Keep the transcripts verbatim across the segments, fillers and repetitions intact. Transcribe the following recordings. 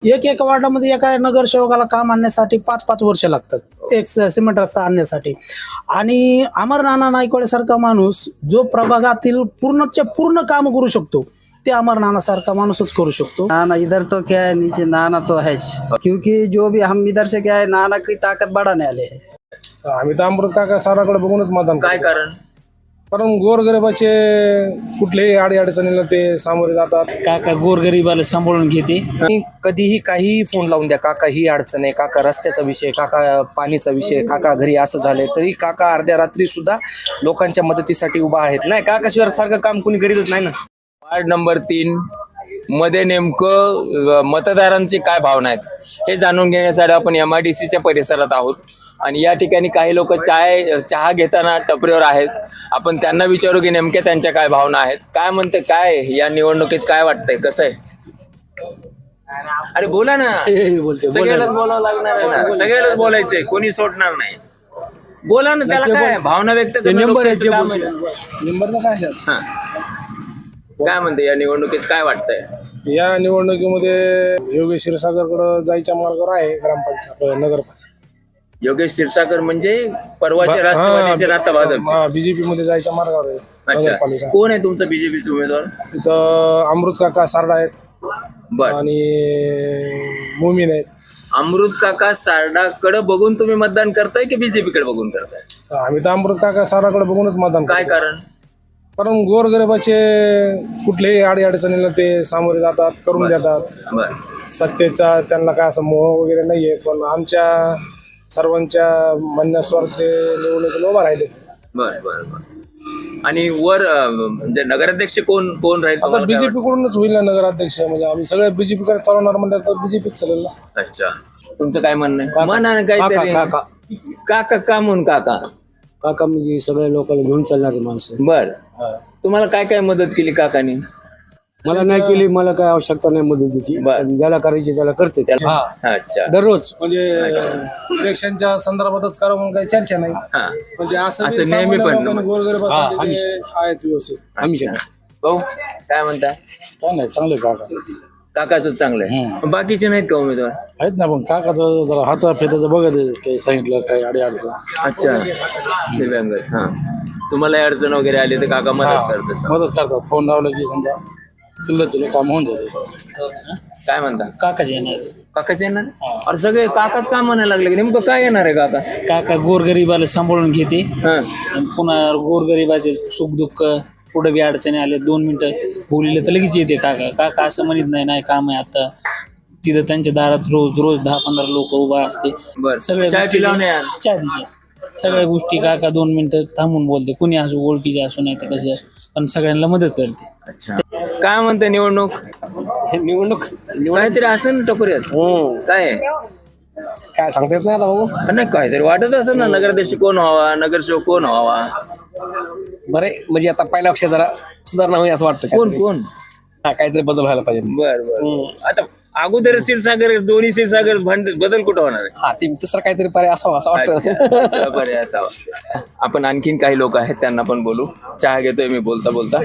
एक एक वार्डामध्ये एका नगरसेवकाला काम आणण्यासाठी पाच पाच वर्ष लागतात एक सिमेंट रस्ता आणण्यासाठी. आणि अमर नाना नाईकवाडे सारखा माणूस जो प्रभागातील पूर्णच्या पूर्ण काम करू शकतो ते अमर नाना सारखा माणूसच करू शकतो. नाना इधर तो क्या है, नीचे नाना तो है, क्योंकि जो भी हम इधर से क्या है, नाना की ताकत बढ़ाने वाले है. आम्ही तर अमृत काका साराकडे बघूनच मतदान काय करतो. कारण? कारण गोरगरिबाचे कुठलेही अडी अडचणीला ते सामोरे जातात. काका गोरगरीबाला सांभाळून घेते. कधीही काहीही फोन लावून द्या, काका ही अडचण आहे, काका रस्त्याचा विषय, काका पाणीचा विषय, काका घरी असं झालंय, तरी काका अर्ध्या रात्री सुद्धा लोकांच्या मदतीसाठी उभा आहेत. नाही, काकाशिवाय सारखं काम कोणी करीतच नाही ना. वार्ड नंबर तीन मध्ये नेमकं मतदारांची काय भावना आहेत हे जाणून घेण्यासाठी आपण एम आय डी सीच्या परिसरात आहोत. आणि या ठिकाणी काही लोक चाय चहा घेताना टपरीवर आहेत. आपण त्यांना विचारू की नेमक्या त्यांच्या काय भावना आहेत, काय म्हणते, काय या निवडणुकीत काय वाटतंय, कसं आहे. अरे बोला ना, सगळ्यालाच बोलावं लागणार आहे ना, सगळ्यालाच बोलायचंय, कोणी सोडणार नाही. बोला ना, त्याला काय भावना व्यक्त करणं लोकांचं काम आहे. नंबरला काय आहे? हा. काय म्हणते या निवडणुकीत काय वाटतंय? या निवडणुकीमध्ये योगेश क्षीरसागरकडे जायच्या मार्गावर आहे ग्रामपंचायत नगरपालिका. योगेश क्षीरसागर म्हणजे परवाचे राष्ट्रवादीचे आता भाजप. बीजेपी मध्ये जायच्या मार्गावर आहे अच्छा, नगरपालिका. कोण आहे तुमचा बीजेपीचा उमेदवार? इथं अमृत काका सारडा आहेत बर. आणि मोमीन आहेत. अमृत काका सारडाकडे बघून तुम्ही मतदान करताय की बीजेपी कडे बघून करताय? आम्ही तर अमृत काका साराकडे बघूनच मतदान काय करतो. कारण? कारण गोरगरिबाचे कुठलेही अडी अडचणीला ते सामोरे जातात, करून देतात. बर. सत्तेचा त्यांना काय असं मोह वगैरे नाहीये, पण आमच्या सर्वांच्या म्हणण्यानुसार ते निवडणुकीला उभा राहिले. बर बर बर आणि वर अं, म्हणजे नगराध्यक्ष कोण कोण राहील आता तुम्हाला काय बीजेपी कडूनच होईल ना नगराध्यक्ष. म्हणजे आम्ही सगळे बीजेपी कडे चालवणार म्हणलं तर बीजेपीच चालेल ना. वाटतं? अच्छा, तुमचं काय म्हणणं आहे? म्हणा ना काहीतरी. काका. काका का म्हणून काका? काका म्हणजे सगळ्या लोकांना घेऊन चालणारे माणसं. बर. तुम्हाला काय काय मदत केली काकानी? मला नाही केली, मला काय आवश्यकता नाही मदतीची. बर. ज्याला करायची त्याला करते त्याला. अच्छा. दररोज म्हणजे इलेक्शनच्या संदर्भातच करावं म्हणून काही चर्चा नाही. हा. म्हणजे असं असं बी नेहमी सामान्य पण. लोकांना गोरगरिबासाठी ते आहेत व्यवस्थित. आम्ही भाऊ काय म्हणता? काय नाही, चांगले काका काकाच चांगलं आहे, बाकीचे नाहीत का उमेदवार? आहेत ना, पण काकाचं जरा हाता फेटाचं बघत काही सांगितलं काही अडी अडचण. अच्छा, दिव्यांग. हा, तुम्हाला अडचण वगैरे आली तर काका मदत करतात. मदत करतात, फोन लावलं की समजा चिल्लर चिल्लर काम होऊन जाते. काय म्हणता? काकाच येणार. काकाच येणार? अरे सगळे काकाच का म्हणायला लागले की नेमकं काय येणार आहे काका? काका गोरगरीबाला सांभाळून घेते. हा. आणि पुन्हा गोरगरीबाचे सुख दुःख पुढे बी अडचणी आले दोन मिनिटं बोलले तर लगेच येते काका. काका असं म्हणत नाही नाही काम आहे आता. तिथं त्यांच्या दारात रोज रोज दहा पंधरा लोक उभा असते. बर. सगळ्या चाय गोष्टी- पिलावणे यार. चहा पिला. सगळ्या गोष्टी काका दोन मिनिटं थांबून बोलते. कुणी असो, ओळखीचे असो नाही तर कसं, पण सगळ्यांना मदत करते. अच्छा, काय म्हणते निवडणूक? निवडणूक काहीतरी असं ना टकोऱ्यात काय आहे? काय सांगता येत नाही आता बघू. नाही, काहीतरी वाटत असं ना, नगराध्यक्ष कोण व्हावा, नगरसेवक कोण व्हावा, बरे म्हणजे आता पहिल्या वर्षी जरा सुधारणा होईल असं वाटतं. कोण कोण हा, काहीतरी बदल व्हायला पाहिजे. बर बर. आता अगोदर क्षीरसागर, दोन्ही क्षीरसागर भांड बदल कुठं होणार आहे? हा, ते दुसरा काहीतरी पर्याय असावा असं वाटतं. अच्छा, पर्याय असावा. आपण आणखीन काही लोक आहेत त्यांना पण बोलू. चहा घेतोय मी बोलता बोलता.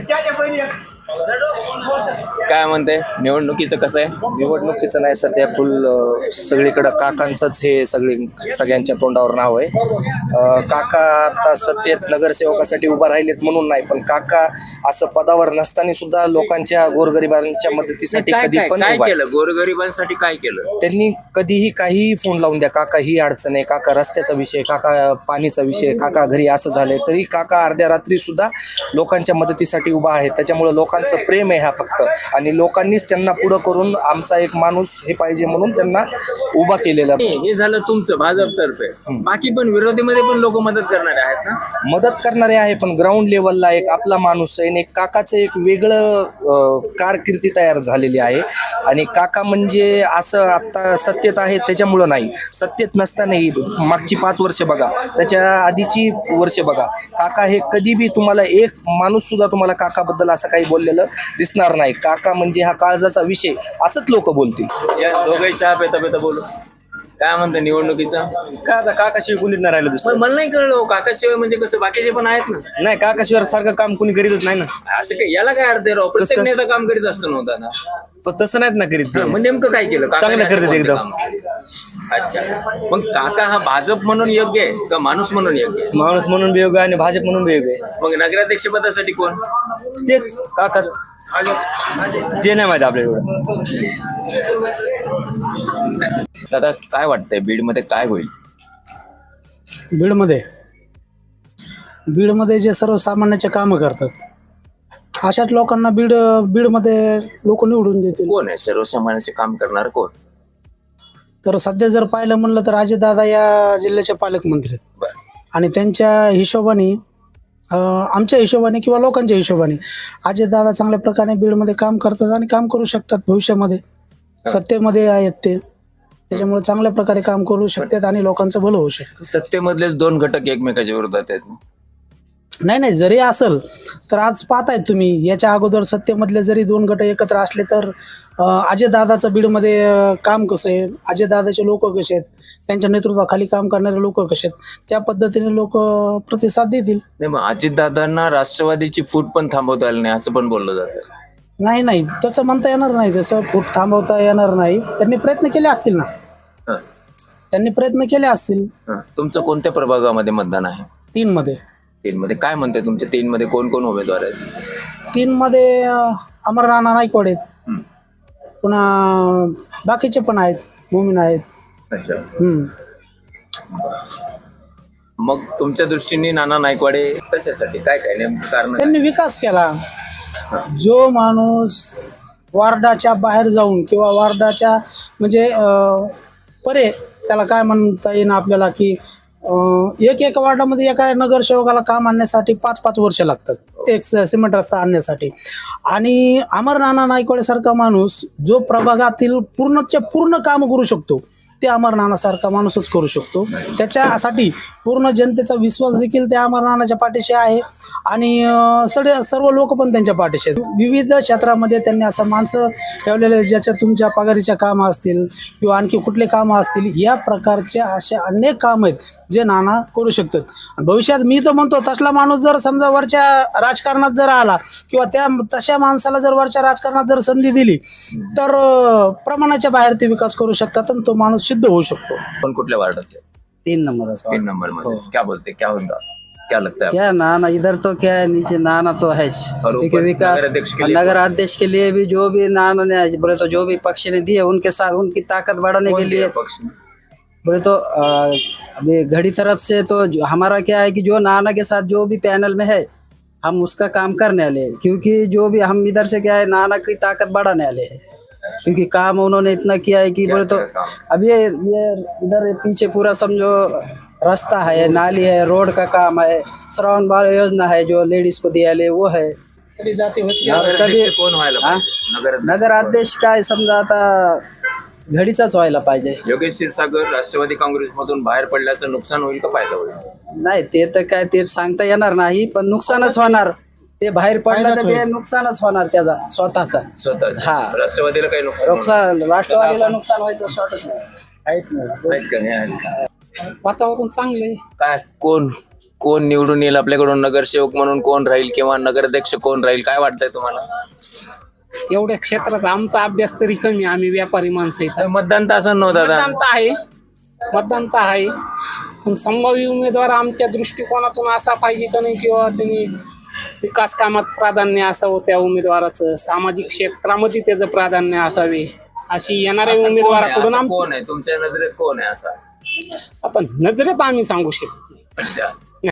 काय म्हणते निवडणुकीचं कसं आहे? निवडणुकीचं नाही, सध्या फुल अं, सगळीकडं काकांचंच हे सगळी सगळ्यांच्या तोंडावर नाव आहे. अं, काका आता सत्तेत नगरसेवकासाठी उभा राहिलेत म्हणून नाही, पण काका असं पदावर नसताना सुद्धा लोकांच्या गोरगरिबांच्या मदतीसाठी काय कधी काय पण काय उभा आहे. केलं गोरगरिबांसाठी? काय केलं त्यांनी कधीही काहीही फोन लावून द्या, काका ही अडचण आहे, काका रस्त्याचा विषय, काका पाणीचा विषय, काका घरी असं झालंय, तरी काका अर्ध्या रात्री सुद्धा लोकांच्या मदतीसाठी उभा आहे. त्याच्यामुळे लोकांचं प्रेम आहे हा फक्त, आणि लोकांनीच त्यांना पुढं करून आमचा एक माणूस हे पाहिजे म्हणून त्यांना उभा केलेला. हे झालं तुमचं भाजपतर्फे. बाकी पण विरोधीमध्ये पण लोक मदत करणारे आहेत ना? मदत करणारे आहे, पण ग्राउंड लेवलला एक आपला माणूस आहे आणि एक काकाचं एक वेगळं अं, कारकिर्दी तयार झालेली आहे. आणि काका म्हणजे असं आत्ता सत्तेत आहे त्याच्यामुळं नाही, सत्तेत नसतानाही मागची पाच वर्ष बघा, त्याच्या आधीची वर्ष बघा, काका हे कधी बी तुम्हाला एक माणूस सुद्धा तुम्हाला काकाबद्दल असं काही बोललेलं दिसणार नाही. काका म्हणजे हा काळजाचा विषय असंच लोक बोलतील. या दोघे चहा पेता पेता बोलू. काय म्हणतं निवडणुकीचं? का आता काकाशिवाय कुणीच नाही राहिलं दुसरं. पण मला नाही कळलं हो, काकाशिवाय म्हणजे कसं बाकीचे पण आहेत ना. नाही काकाशिवाय सारखं काम कुणी करीतच नाही ना. असं काय याला काय अर्थ आहे राव? प्रत्येक नेता काम करीत असतो नव्हता ना. पण तसं नाहीत ना करीत ते. मग नेमकं काय केलं? काकाने चांगलं असे करतात कोणते एकदम. काम केले? अच्छा, मग काका हा भाजप म्हणून योग्य आहे का माणूस म्हणून योग्य आहे? माणूस म्हणून बी योग्य आहे आणि भाजप म्हणून बी योग्य आहे. मग नगराध्यक्ष पदासाठी कोण? तेच काका ते नाही माहिती आपल्या एवढं. दादा काय वाटतंय बीडमध्ये काय होईल? बीडमध्ये बीडमध्ये जे सर्वसामान्याचे कामं करतात अशाच लोकांना बीड बीडमध्ये लोक निवडून देतील. कोण आहे सर्वसामान्याचे काम करणार कोण? तर सध्या जर पाहिलं म्हणलं तर अजितदादा या जिल्ह्याचे पालकमंत्री आहेत बरं. आणि त्यांच्या हिशोबाने अं, आमच्या हिशोबाने किंवा लोकांच्या हिशोबाने अजितदादा चांगल्या प्रकारे बीडमध्ये काम करतात आणि काम करू शकतात भविष्यामध्ये. सत्तेमध्ये आहेत ते, त्याच्यामुळे चांगल्या प्रकारे काम करू शकतात आणि लोकांचं भलं होऊ शकतं. सत्तेमधलेच दोन घटक एकमेकाच्या विरोधात आहेत. नाही नाही जरी असेल तर आज पाहताय तुम्ही याच्या अगोदर सत्तेमधले जरी दोन गट एकत्र असले तर अं, अजयदादाचं बीडमध्ये अं, काम कसं आहे, अजयदादाचे लोक कसे आहेत, त्यांच्या नेतृत्वाखाली काम करणारे लोक कसे आहेत, त्या पद्धतीने लोक प्रतिसाद देतील. नाही मग अजितदादांना राष्ट्रवादीची फूट पण थांबवता आली नाही असं पण बोललं जातं. नाही नाही तसं म्हणता येणार नाही, तसं फूट थांबवता येणार नाही. त्यांनी प्रयत्न केले असतील ना, हं, त्यांनी प्रयत्न केले असतील. हं. तुमचं कोणत्या प्रभागामध्ये मतदान आहे? तीनमध्ये तीन मध्ये काय म्हणते तुमच्या तीन मध्ये कोण कोण उमेदवार आहेत? तीनमध्ये अं, अमर राणा नाईकवाड आहेत, हं. पुन्हा बाकीचे पण आहेत, मोमीन आहेत. अच्छा, हम्म. मग तुमच्या दृष्टीने नाना नायकवाडे कशासाठी काय काय नेमकं कारण काय? त्यांनी विकास केला. जो माणूस वार्डाच्या बाहेर जाऊन किंवा वार्डाच्या म्हणजे अं, परे त्याला काय म्हणता येईल आपल्याला की अं, एक एक वार्डामध्ये एका नगरसेवकाला काम आणण्यासाठी पाच पाच वर्ष लागतात एक सिमेंट रस्ता आणण्यासाठी. आणि अमर नाना नाईकवाडे सारखा माणूस जो प्रभागातील पूर्णच्या पूर्ण काम करू शकतो ते अमर नानासारखा माणूसच करू शकतो. त्याच्यासाठी पूर्ण जनतेचा विश्वास देखील त्या अमर नानाच्या पाठीशी आहे आणि अं, सगळे सर्व लोक पण त्यांच्या पाठीशी आहेत. विविध क्षेत्रामध्ये त्यांनी असं माणसं ठेवलेले ज्याच्या तुमच्या पगारीच्या कामं असतील किंवा आणखी कुठले कामं असतील, या प्रकारचे असे अनेक कामं आहेत जे नाना करू शकतात. भविष्यात मी तर म्हणतो तसला माणूस जर समजा वरच्या राजकारणात जर आला किंवा त्या तशा माणसाला जर वरच्या राजकारणात जर संधी दिली तर अं, प्रमाणाच्या बाहेर ते विकास करू शकतात आणि तो माणूस सिद्ध होऊ शकतो. पण कुठल्या वार्डात? तीन नंबर है। तीन नंबर में क्या बोलते क्या होगा क्या लगता है? क्या नाना इधर तो क्या है, नीचे नाना तो है और क्योंकि ऊपर विकास नगराध्यक्ष के लिए नगर अध्यक्ष के लिए भी जो भी नाना ने बोले तो जो भी पक्ष ने दिए उनके साथ उनकी ताकत बढ़ाने के लिए पक्ष में? बोले तो अ, अभी घड़ी तरफ से तो जो- हमारा क्या है कि जो नाना के साथ जो भी पैनल में है हम उसका काम करने वाले हैं, क्योंकि जो भी हम इधर से क्या है नाना की ताकत बढ़ाने वाले हैं, क्योंकि काम उन्होंने इतना किया है कि बोले तो क्या काम? अब ये ये इधर पीछे पूरा समझो रास्ता है, नाली है, रोड का काम है, श्रावण बाल योजना है जो लेडीज को दिया ले वो है। कधी जाती होती नगराध्यक्ष कोण व्हायला हाँ? पाहिजे? नगर नगर अध्यक्ष काय समजा आता घडीचाच व्हायला पाहिजे. योगेश क्षीरसागर राष्ट्रवादी काँग्रेसमधून बाहेर पडल्याचं नुकसान होईल का फायदा होईल? नाही ते तर काय ते सांगता येणार नाही, पण नुकसानच होणार. ते बाहेर पडलं तर ते नुकसानच होणार त्याचा स्वतःचा. स्वतःच हा. राष्ट्रवादीला काही नुकसान होणार नुकसान राष्ट्रवादीला नुकसान व्हायचं शॉर्टच नाही. नाहीत का? नाही आहेत का? वातावरण चांगले. काय कोण कोण निवडून येईल आपल्याकडून नगरसेवक म्हणून कोण राहील किंवा नगराध्यक्ष कोण राहील काय वाटतंय तुम्हाला? तेवढ्या क्षेत्रात आमचा अभ्यास तरी कमी, आम्ही व्यापारी माणसं आहेत. तर मतदान तर असं नव्हतं दादा. मतदान तर आहे मतदान तर आहे पण संभाव्य उमेदवार आमच्या दृष्टिकोनातून असा पाहिजे का नाही, किंवा त्यांनी विकास कामात प्राधान्य असावं त्या उमेदवाराचं, सामाजिक क्षेत्रामध्ये त्याचं प्राधान्य असावे, अशी येणाऱ्या असं कोण आहे? उमेदवाराकडून असं आम कोण आहे तुमच्या नजरेत कोण आहे असा? आपण नजरेत आम्ही सांगू शकतो. अच्छा